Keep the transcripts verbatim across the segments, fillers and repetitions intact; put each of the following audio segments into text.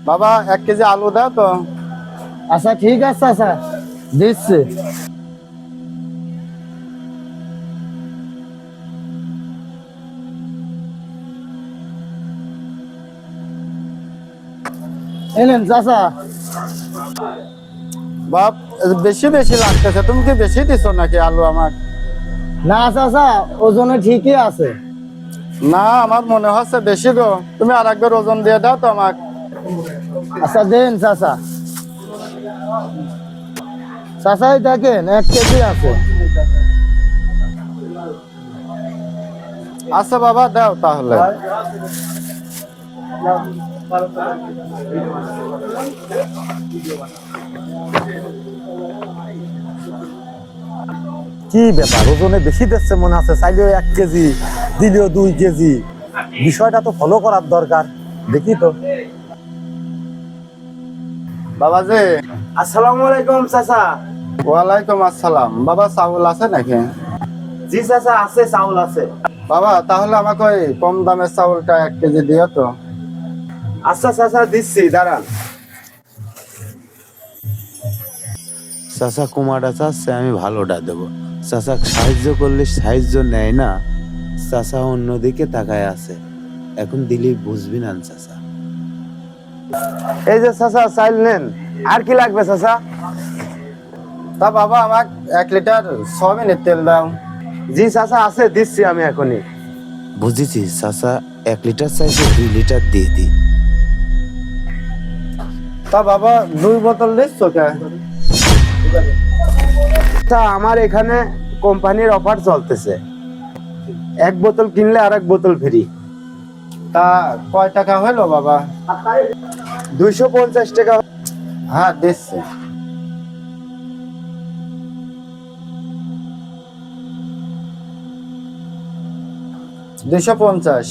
বাবা এক কেজি আলু দাও তো। আচ্ছা ঠিক আছে আচ্ছা দিচ্ছি। এলেন চাচা। বাপ বেশি বেশি লাগতেছে, তুমি কি বেশি দিছো নাকি আলু আমার? না চাচা ওজনে ঠিকই আছে। না আমার মনে হচ্ছে বেশি গো, তুমি আর একবার ওজন দিয়ে দাও তো আমাকে। আচ্ছা দেন চাচা। চাচাই দেখেন এক কেজি আছে। আচ্ছা বাবা দাও তাহলে। কি ব্যাপার, ওজনে বেশি দিচ্ছে মনে হচ্ছে, চাইলেও এক কেজি দিলেও দুই কেজি। বিষয়টা তো ফলো করার দরকার, দেখি তো। বাবা যে। আসসালামু আলাইকুম চাচা। ওয়ালাইকুম আসসালাম। বাবা চাউল আছে নাকি? জি চাচা আছে, চাউল আছে। বাবা তাহলে আমাকে ওই কম দামের চাউলটা এক কেজি দিও তো। আচ্ছা চাচা দিচ্ছি, দাঁড়ান। চাচা কুমারটা চাচ্ছে আমি ভালোটা দেবো, চাচা সাহায্য করলে সাহায্য নেয় না, চাচা অন্যদিকে তাকায় আছে। এখন দিলি বুঝবি না চাচা। এই যে চাচা চাইল নেন, আর কি লাগবে চাচা? তা বাবা আমাকে এক লিটার সয়াবিনের তেল দাও। জি চাচা আছে, দিচ্ছি আমি এখনই। বুঝেছি চাচা, এক লিটার চাইছে দুই লিটার দিয়ে দি। তা বাবা দুই বোতল দিচ্ছ কে? তা আমার এখানে কোম্পানির অফার চলতেছে, এক বোতল কিনলে আর এক বোতল ফ্রি। তা কয় টাকা হলো বাবা? দুইশো পঞ্চাশ টাকা। হ্যাঁ দিচ্ছি। দুইশো পঞ্চাশ।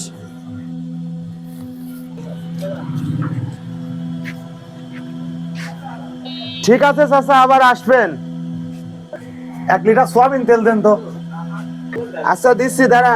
ঠিক আছে চাচা, আবার আসবেন। এক লিটার সোয়াবিন তেল দেন তো। আচ্ছা দিচ্ছি, দাঁড়ান।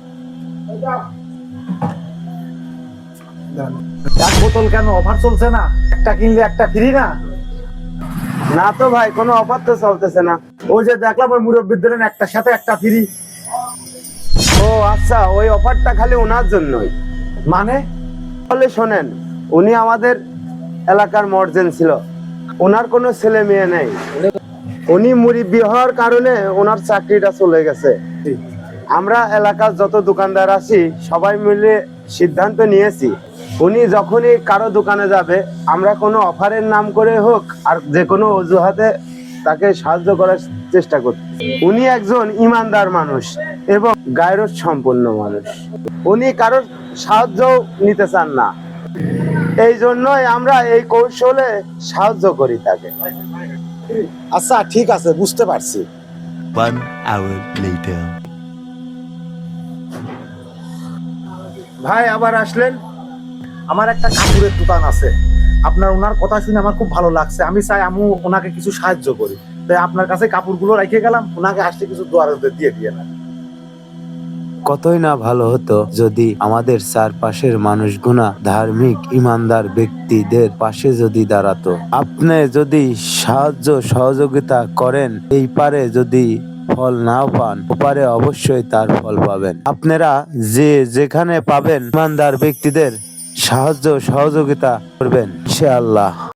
এক বোতল কেন, অফার চলছে না? একটা কিনলে একটা ফ্রি না? না তো ভাই, কোনো অফার তো চলতেছে না। ওই যে দেখলাম ওই মুরব্বি দিলেন একটার সাথে একটা ফ্রি। ও আচ্ছা, ওই অফারটা খালি ওনার জন্যই। মানে? বলে শোনেন, উনি আমাদের এলাকার মর্জেন ছিল, ওনার কোনো ছেলে মেয়ে নেই, উনি মুরব্বি হওয়ার কারণে ওনার চাকরিটা চলে গেছে। আমরা এলাকার যত দোকানদার আছি সবাই মিলে সিদ্ধান্ত নিয়েছি, উনি যখনই কারো দোকানে যাবে আমরা কোনো অফারের নাম করে হোক আর যে কোনো অজুহাতে তাকে সাহায্য করার চেষ্টা করছি। উনি একজন ইমানদার মানুষ এবং গায়রত সম্পন্ন মানুষ, উনি কারোর সাহায্য নিতে চান না, এই জন্যই আমরা এই কৌশলে সাহায্য করি তাকে। আচ্ছা ঠিক আছে, বুঝতে পারছি। One hour later. ভাই আবার আসলেন? আমার একটা কাপড়ের দোকান আছে, আপনার ওনার কথা শুনে আমার খুব ভালো লাগছে, আমি চাই আমি ওনাকে কিছু সাহায্য করি, তাই আপনার কাছে কাপড়গুলো রেখে গেলাম, ওনাকে আসলে কিছু দোয়ার দিয়ে দিয়ে না। কতই না ভালো হতো যদি আমাদের চারপাশের মানুষগুনা ধার্মিক ইমানদার ব্যক্তিদের পাশে যদি দাঁড়াতো। আপনি যদি সাহায্য সহযোগিতা করেন, এই পারে যদি ফল নাও পান, ওপারে অবশ্যই তার ফল পাবেন। আপনারা যে যেখানে পাবেন ইমানদার ব্যক্তিদের সাহায্য সহযোগিতা করবেন ইনশাআল্লাহ।